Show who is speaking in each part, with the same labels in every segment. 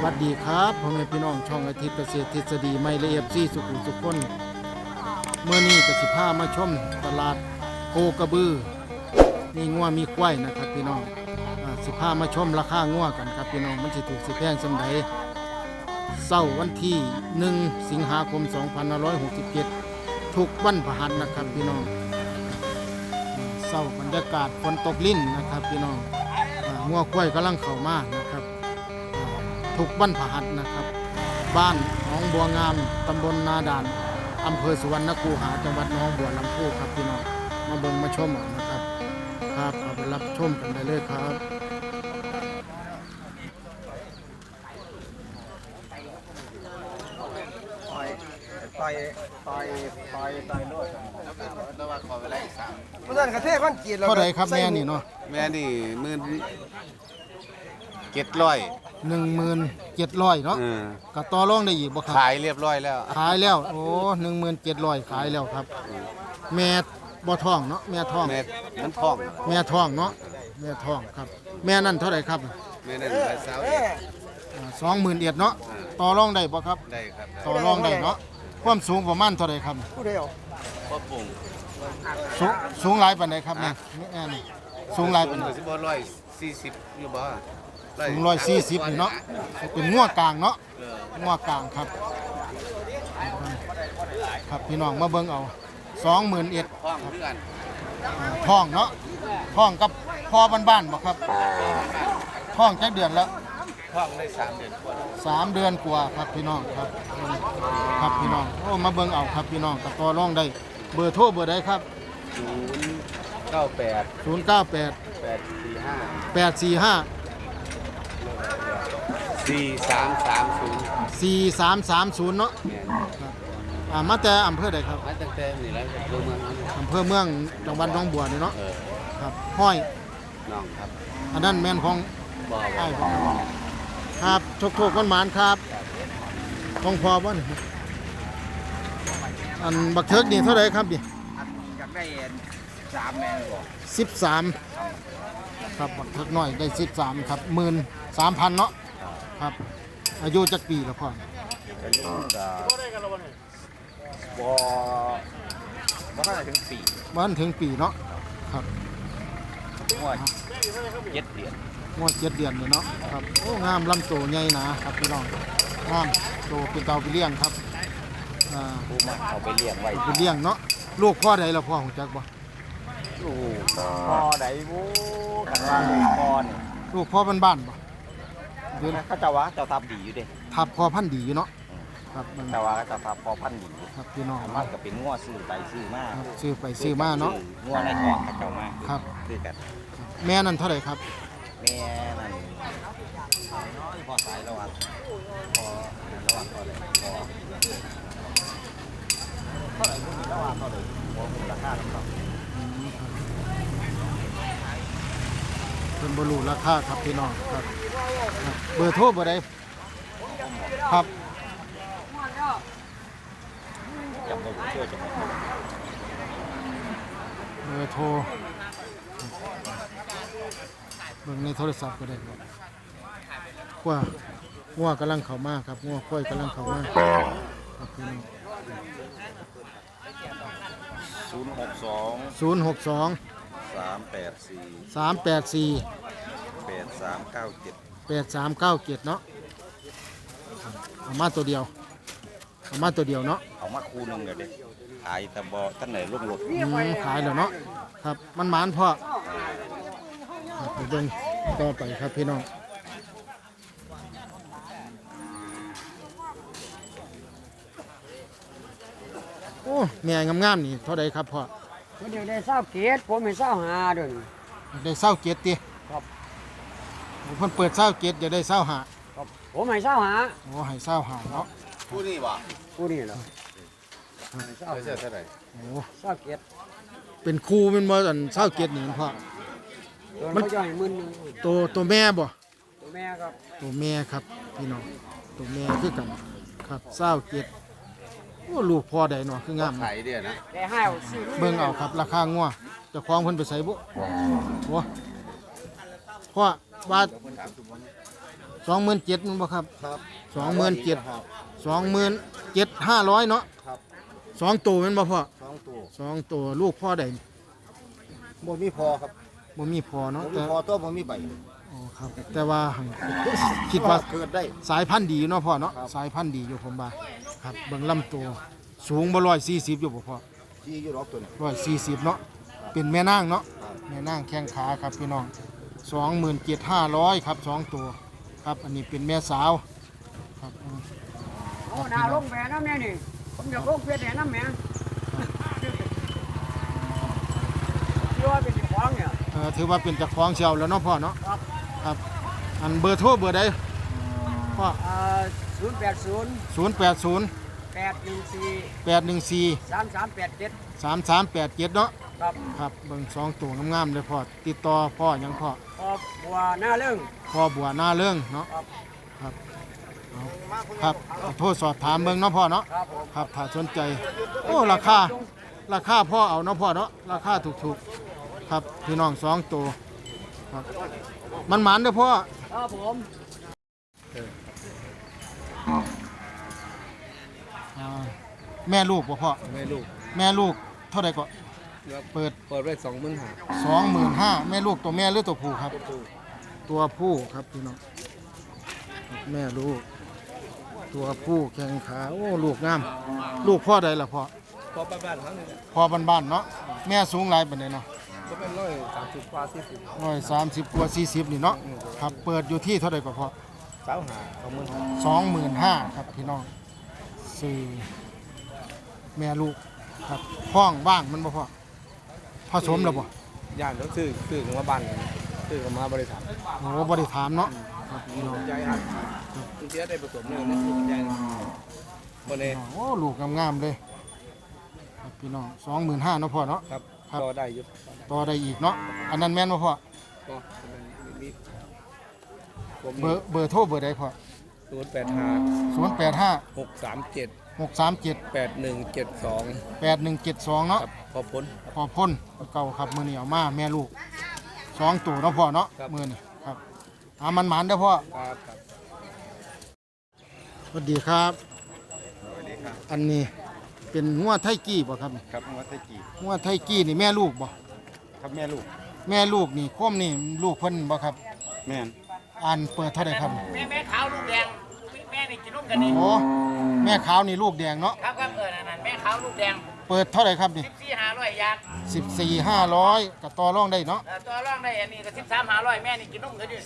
Speaker 1: วัสดีครับพ่อแม่พี่น้องช่องอาทิตย์เกษตรทฤษฎีไม่ละเอียดซี่สุขุมสุขคนเมื่อนี้ก็สิพามาชมตลาดโคกระบือมีงัวมีควายนะครับพี่น้องสิพามาชมราคางัวกันครับพี่น้องมันสิถูกสิแพงสำใดเสาร์วันที่1 สิงหาคม 2567ทุกวันพฤหัสนะครับพี่น้องเสาร์บรรยากาศฝนตกลิ้นนะครับพี่น้องงัวควายกำลังเข้ามานะครับทุกวันพฤหัสนะครับบ้านหนองบัวงามตำบลนาด่านอำเภอสุวรรณคูหาจังหวัดหนองบัวลำพูครับพี่น้องมาเบิ่งมาชมนะครับครับเอาไปรับชมกันได้เลยครับ
Speaker 2: ต่อยโลดแล้วว่าขอเวลาอีก3เมื่อนั้นกระเทศคนจีนเรา
Speaker 1: เท่าไหร่ครับแม่นี่เนาะ
Speaker 2: แม่นี่
Speaker 1: 17,700เนาะก็ต่อรองได้อีกบ่ครับ
Speaker 2: ขายเรียบร้อยแล้ว
Speaker 1: ขายแล้วโอ้17,700ขายแล้วครับแม่บ่ท้องเนาะแม่ท้อง
Speaker 2: แม่มันท้อง
Speaker 1: แม่ท้องเนาะแม่ท้องครับแม่นั่นเท่าไหร่ครับ
Speaker 2: แม่นั่น
Speaker 1: 21,000เนาะต่อรองได้บ่ครับ
Speaker 2: ได้ครับ
Speaker 1: ต่อรองได้เนาะความสูงประมาณเท่าไหร่ครับ
Speaker 2: ผู้ใดเอาพ่อปุ่ง
Speaker 1: สูงหลายปานใดครับเนี่ยนี่สูงหลายปานใด
Speaker 2: สิบ่140อยู่บ่
Speaker 1: สูง140นี่เนาะเป็นงัวกลางเนาะงัวกลางครับครับพี่น้องมาเบิ่งเอา21,000
Speaker 2: ท้องคือกัน
Speaker 1: ท้องเนาะท้องกับพ่อบ้านๆบ่ครับท้องจักเดือนแล้ว
Speaker 2: ท้องได้3 เดือนกว่า
Speaker 1: 3 เดือนกว่าครับพี่น้องครับครับพี่น้องโอ้มาเบิ่งเอาครับพี่น้องก็ต่อรองได้เบอร์โทรเบอร์ใดครับ
Speaker 2: 098
Speaker 1: 845 4330เนาะมาแต่อำเภอใดครับ
Speaker 2: มาตั้งแต่นี่แล้ว
Speaker 1: อำเภอเมืองจังหวัดหนองบัวนี่เนาะครับห้อย
Speaker 2: น้องครับ
Speaker 1: อันนั้นแม่นของ
Speaker 2: บ่
Speaker 1: ครับโชคๆหวานๆครับของพอบ่นี่อันบักเทิกนี่เท่าไหร่ครับนี่
Speaker 2: อยากได้3แม่บ่
Speaker 1: 13ครับบักเทิกน้อยได้13ครับ13,000เนาะครับอายุจักปีแล้วพ่อ
Speaker 2: อายุก็บ่ทันถึงปี
Speaker 1: บ่ทันถึงปีเนาะครับ
Speaker 2: งวด7 เดือน
Speaker 1: งวด7 เดือนเลยเนาะครับโอ้งามลำโตใหญ่หนาครับพี่น้องงามโตเป็นเตาไปเลี้ยงครับ
Speaker 2: ผู้มาเอาไปเลี้ยงไว้
Speaker 1: ไปเลี้ยงเนาะลูกพ่อใดล่ะพ่อของจักบ่
Speaker 2: ลูกพ่อใดบ่กันว่าลูกพ่อนี่
Speaker 1: ลูกพ่อบ้านๆบ่
Speaker 2: เดี๋ยวเขาจะว่าเจ้าทับดีอยู่เด้
Speaker 1: ทับพ่อพันธุ์ดีอยู่เนาะครับ
Speaker 2: แต่ว่าเจ้าทับพ่อพันธุ์ดี
Speaker 1: ครับพี่น้อง
Speaker 2: มันก็เป็นงัวซื้อไปซื้อมา
Speaker 1: ซื้อไปซื้อมาเนาะ
Speaker 2: งัวในท้องเขาเจ้ามา
Speaker 1: ครับ
Speaker 2: คือกัน
Speaker 1: แม่นั่นเท่าไหร่ครับ
Speaker 2: แม่นั่นพอสายระหว่างพอระหว่างพอเลยพอเท่าไหร่พวกนี้ระหว่างเท่าไหร่พอมูลค่าแล้วครับ
Speaker 1: เป็นบรูราคาครับพี่น้องครับเบอร์โทรเบอร์ใดครับ
Speaker 2: จำได้เชื่อจำได้
Speaker 1: เบอร์โทรเบิ่งในโทรศัพท์ก็ได้ครับงัวกำลังเข้ามาครับงัวควายกำลังเข้ามาครับพี่น้อง062 384 8397เนาะเอามาตัวเดียวเนาะ
Speaker 2: เอามาคู่นึงเดี๋ยวดิขายแต่บ่ท่านไหนลงรถ
Speaker 1: ขายแล้วเนาะครับมันหมานพ่อไปเบิ่งต่อไปครับพี่น้องโอ้แม่งามๆนี่เท่าใดครับพ่อ
Speaker 3: เดี๋ยวได้20 ผมให้25เด้อ
Speaker 1: ได้27ติ
Speaker 3: ครับ
Speaker 1: เพิ่นเปิด27จะได้25
Speaker 3: ครับผมให้25
Speaker 1: โอ้ให้25เนาะ
Speaker 2: คู่นี้บ่
Speaker 3: ผู้นี่เหรอ
Speaker 2: เท่าไหร่
Speaker 1: โอ้
Speaker 3: 27
Speaker 1: เป็นครูเป็นบ่อัน27นี่พ่อ
Speaker 3: มันจะให้10,000นึง
Speaker 1: ตัวแม่บ่
Speaker 3: ตัวแม่ครับ
Speaker 1: ตัวแม่ครับพี่น้องตัวแม่คือกันครับ27โอ้ลูกพ่อใดเนาะคืองาม
Speaker 2: ขายเด้อนะ
Speaker 3: ได้ให้เอาซื้อ
Speaker 1: เบิ่งเอาครับราคางัวเจ้าของเพิ่นไปใส่บ่โอ้พ่อว่า 27,000มันบ่ครับ
Speaker 2: ครับ
Speaker 1: 27,500เนาะ
Speaker 2: ครับ
Speaker 1: 2ตัวแม่นบ่พ่อ
Speaker 2: 2ตัว
Speaker 1: 2ตัวลูกพ่อได้
Speaker 2: บ่มีพอครับ
Speaker 1: บ่มีพ่อเนาะ
Speaker 2: บ่มี
Speaker 1: แต่
Speaker 2: พอตัวบ่มีใบ
Speaker 1: อ๋อครับแต่ว่าหั่นคิดว่า
Speaker 2: เกิดได้
Speaker 1: สายพันธุ์ดีอยู่เนาะพ่อเนาะ
Speaker 2: ครับ
Speaker 1: สายพันธุ์ดีอยู่ผมว่าครับเบิ่งลำตัวสูงบ่140อยู่บ่พ่อ
Speaker 2: ที่อยู่รอบตัวนี้
Speaker 1: 140เนาะเป็นแม่นางเนาะ
Speaker 2: ครับ
Speaker 1: แม่นางแข้งขาครับพี่น้อง27,500ครับ2ตัวครับอันนี้เป็นแม่สาวครับ
Speaker 3: โอ้นาลงแหวนน้ำแม่นี่ผมอยากลงเพียรแหวนน้ำแม่ที่ว่าเป็นของเนี่ย
Speaker 1: ถือว่าเป็นเจ้าของเชียวแล้วเนาะพ่อเนาะ
Speaker 3: ครับ
Speaker 1: ครับอันเบอร์โทรเบอร์ใดพ่อ
Speaker 3: 080
Speaker 1: 080
Speaker 3: 814
Speaker 1: 814
Speaker 3: 3387
Speaker 1: 3387เนาะ
Speaker 3: ครับ
Speaker 1: ครับเบิ่ง2ตัวงามๆเลยพ่อติดต่อพ่อหยังพ่อ
Speaker 3: ครอบบัวหน้าเรื่อง
Speaker 1: พ่อบัวหน้าเรื่องเนาะ
Speaker 3: ครับ
Speaker 1: ครับเอาครับขอโทษสอบถามเบิ่งเนาะพ่อเนาะ
Speaker 3: ครับผม
Speaker 1: ครับถ้าสนใจโอ้ราคาพ่อเอาเนาะพ่อเนาะราคาถูกๆครับพี่น้อง2ตัวครับมันหมานเด้อพ่อ
Speaker 3: ครับผม
Speaker 1: อ่าแม่ลูกบ่พ่อ
Speaker 4: ไม่ลูก
Speaker 1: แม่ลูกเท่าไหร่ก็เปิด
Speaker 4: เปิดไว้25,000
Speaker 1: 25,000แม่ลูกตัวแม่หรือตัวผู้ครับ ตัวผู้ครับพี่น้องครับแม่ลูกตัวผู้แข้งขาโอ้ลูกงามลูกพ่อใดล่ะพ่อ
Speaker 4: พอบ้านๆครั้งนึง
Speaker 1: พ่อบ้านๆเนาะแม่สูงหลายปานใดเนาะ
Speaker 4: ก็เป็น130กว่า40
Speaker 1: 130กว่า40นี่เนาะครับเปิดอยู่ที่เท่าไหร่ก็พ่อ
Speaker 4: 25,000
Speaker 1: 25,000ครับพี่น้องสี่แม่ลูกครับห้องว่างมันบ่พ่อผสมแล้วบ่
Speaker 4: ย่านต้องซื้อกันมาบ้านซื้อกันมาบริษัท
Speaker 1: โอ้บ่ได้ถามเนาะครับพี่น้อง
Speaker 4: ใจอัดคุณเสียได้ผสมเลยนะใจบ่ได้
Speaker 1: โอ้ลูกงามๆเลยครับพี่น้อง25,000เนาะพ่อเนาะ
Speaker 4: ครับ
Speaker 1: ครับ
Speaker 4: ต่อได้อยู่
Speaker 1: ต่อได้อีกเนาะอันนั้นแม่นบ่พ่อ
Speaker 4: ก็มีผม
Speaker 1: เบอร์โทรเบอร์ใดพ่อ
Speaker 4: 085
Speaker 1: 085
Speaker 4: 637
Speaker 1: 637
Speaker 4: 8172
Speaker 1: 8172เนาะ
Speaker 4: ครับพอพ้น
Speaker 1: พอพ่นเก่าครับมื้อนี้เอามาแม่ลูก2ตัวเนาะพ่อเนาะ
Speaker 4: ครับ
Speaker 1: มื้อนี้ครับมันหมานเด้อพ่อ
Speaker 4: ครับครับ
Speaker 1: สวัสดีครับ อันนี้เป็นงัวไทกี้บ่ครับ
Speaker 2: ครับวัดตะกี้
Speaker 1: งัวไทกี้นี่แม่ลูกบ่
Speaker 2: ครับแม่ลูก
Speaker 1: แม่ลูกนี่โคมนี่ลูกเพิ่นบ่ครับ
Speaker 2: แม่น
Speaker 1: อันเปิดเท่าใดครับ
Speaker 5: แม่ขาวลูกแดงแม่นี่กินนมกันนี่
Speaker 1: โอ้แม่ขาวนี่ลูกแดงเนาะ
Speaker 5: ครับนั่นแม่ขาวลูกแดง
Speaker 1: เปิดเท่าใดครับนี่
Speaker 5: 14,500ยาง
Speaker 1: 14,500ก็ต่อรองได้เนาะ
Speaker 5: ตัวร่องได้อันนี้ก็13,500แม่นี่กินนมกันอยู่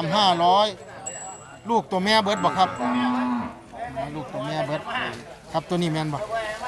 Speaker 1: 13,500ลูกตัวแม่เบิดบ่ครับลูกตัวแม่เบิดครับตัวนี้แม่นบ่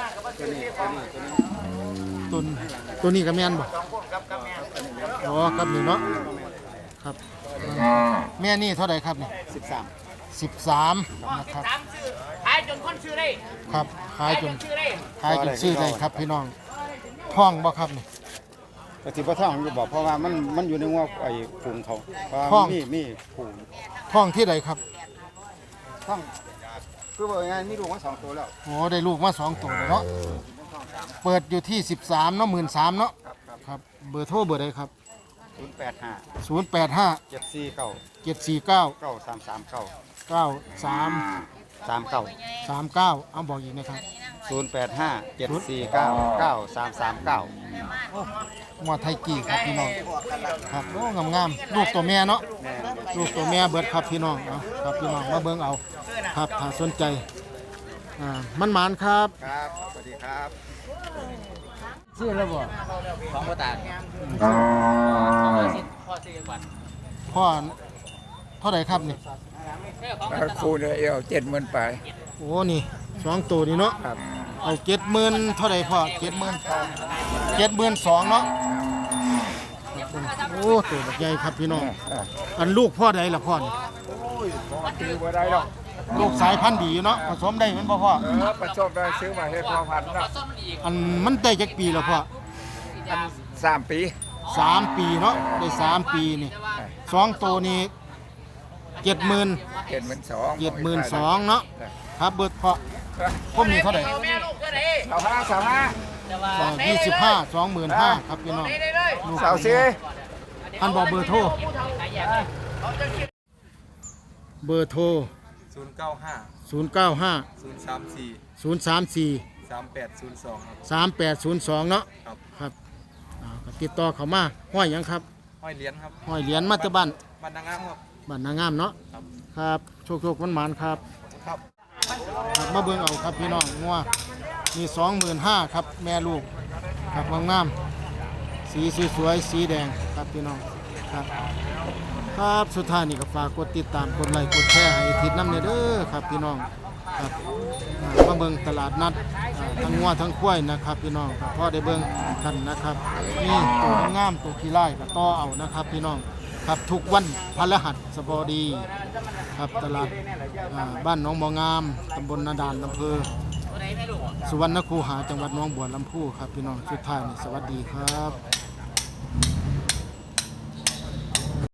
Speaker 1: ตัวนี้ก็แม่นบ่
Speaker 5: 2คนครับกับแม่
Speaker 1: อ๋อครับนี่เนาะครับแม่นี่เท่าไหร่ครับนี่ 13นะครับ
Speaker 5: 13ซื้อขายจนคนซื้อได้
Speaker 1: ครับขายจน
Speaker 5: ซื้อได้
Speaker 1: ซื้อได้ครับพี่น้องท้องบ่ครับนี่
Speaker 2: ก็สิบ่ท่องอยู่บอกเพราะว่ามันอยู่ในงัวไอ้ฝูงเขาเพราะ
Speaker 1: ท้
Speaker 2: ว่า
Speaker 1: อง
Speaker 2: มีฝูง
Speaker 1: ท้องที่ใดครับ
Speaker 2: ท่องคือว่าไงมีลูกมา2ตัวแล้ว
Speaker 1: โอ้ได้ลูกมา2ตัวแล้วเนาะเปิดอยู่ที่13เนาะ13,000เนาะครับเบอร์โทรเบอร์ใดครับ
Speaker 2: 085
Speaker 1: 085
Speaker 2: 749
Speaker 1: 749
Speaker 2: 9339
Speaker 1: 93
Speaker 2: 39
Speaker 1: 39เอาบอกอีกนะครับ
Speaker 2: 085 749 9339
Speaker 1: งัวไทกี้ครับพี่น้องครับโอ้งามๆลูกตัวแม่เนาะลูกตัวแม่เบิดครับพี่น้องเอาครับพี่น้องมาเบิ่งเอาครับถ้าสนใจมันหมานครับ
Speaker 2: ครับ สวัสดีครับ
Speaker 1: ซื้อแล้วบ่
Speaker 5: ของบ่ตาพ่อซื้อก่อน
Speaker 1: พ่อเท่าไหร่ครับนี่
Speaker 4: คู่เดียว70,000ไป
Speaker 1: โอ้นี่2ตัวนี่เนาะ
Speaker 4: ครับ
Speaker 1: เอา70,000เท่าไหร่พ่อ72,000เนาะโอ้ตัวบักใหญ่ครับพี่น้องอันลูกพ่อใดล่ะพ่อนี่
Speaker 4: ซื้อบ่ได้หรอก
Speaker 1: ลูกสายพันธุ์ดีอยู่เนาะผสมได้แมันบ่พ่อ
Speaker 4: ประชดได้ซื้อมาให้พ่อพันธุ์นะ
Speaker 1: อันมันได้จักปีแล้วพ่อ
Speaker 4: 3 ปี
Speaker 1: 3 ปีเนาะได้3 ปีนี่2ตัวนี่70,000 72,000เนาะครับเบิดเพาะผมนี่เท่าไหร่
Speaker 5: แม่ลูกก็ได้
Speaker 1: 25 25,000ครับพี่น้อง
Speaker 5: ได้เลย
Speaker 1: ลูก
Speaker 4: สาวซี
Speaker 1: อันบอกเบอร์โทรเบอร์โทร
Speaker 2: 095
Speaker 1: 095
Speaker 2: 034
Speaker 1: 034
Speaker 2: 3802ครับ
Speaker 1: 3802เนาะ
Speaker 2: ครับ
Speaker 1: ครับก็ติดต่อเข้ามาห้อยหยังครับ
Speaker 2: ห้อยเหรียญครับ
Speaker 1: ห้อยเหรียญมาจากบ้าน
Speaker 2: บ้านนางงามครับ
Speaker 1: บ้านนางามเนาะ
Speaker 2: ครับ
Speaker 1: ครับโชคๆหวานๆครับ
Speaker 2: ครับ
Speaker 1: ครับมาเบิ่งเอาครับพี่น้องงัวมี 25,000ครับแม่ลูกครับงามๆสีสวยๆสีแดงครับพี่น้องครับครับสุดท้ายนี่ก็ฝากกดติดตามกดไลค์กดแชร์ให้ทิศน้ำเนี่ยเด้อครับพี่น้องครับมาเบิ่งตลาดนัดทั้งงัวทั้งควายนะครับพี่น้องครับพอได้เบิ่งกันนะครับนี่ตัวงามตัวขี้ไล่ก็ต่อเอานะครับพี่น้องครับทุกวันพฤหัสบดีครับตลาดบ้านหนองบ่องามตำบลนาดานอำเภอสุวรรณคูหาจังหวัดหนองบัวลำพูครับพี่น้องสุดท้ายนี่สวัสดีครับ